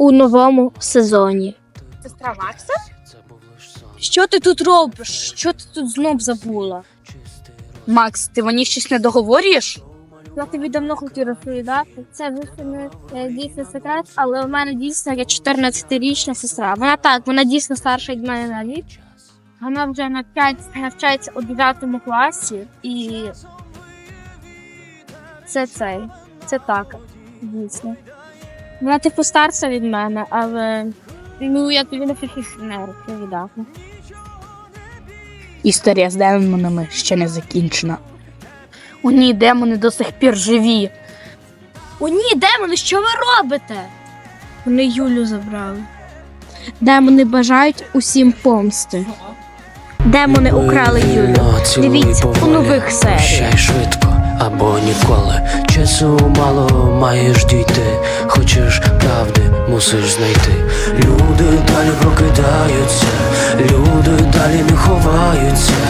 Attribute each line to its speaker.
Speaker 1: у новому сезоні.
Speaker 2: Сестра Макса?
Speaker 1: Що ти тут робиш? Що ти тут знов забула?
Speaker 2: Макс, ти мені щось не договорюєш?
Speaker 1: Я тобі давно хотів розповідати. Це звісно не дійсно секрет, але у мене дійсно є 14-річна сестра. Вона дійсно старша від мене на рік. Вона вже навчається у 9 класі і це так, дійсно. Вона типу старша від мене, але я тобі не хочу не розповідати.
Speaker 2: Історія з демонами ще не закінчена. О ні, демони до сих пір живі.
Speaker 1: О ні, демони, що ви робите? Вони Юлю забрали. Демони бажають усім помсти. Демони украли Юлю. Дивіться у нових серіях.
Speaker 3: Прощай швидко або ніколи. Часу мало, маєш дійти. Хочеш правди, мусиш знайти. Люди далі прокидаються, люди далі не ховаються.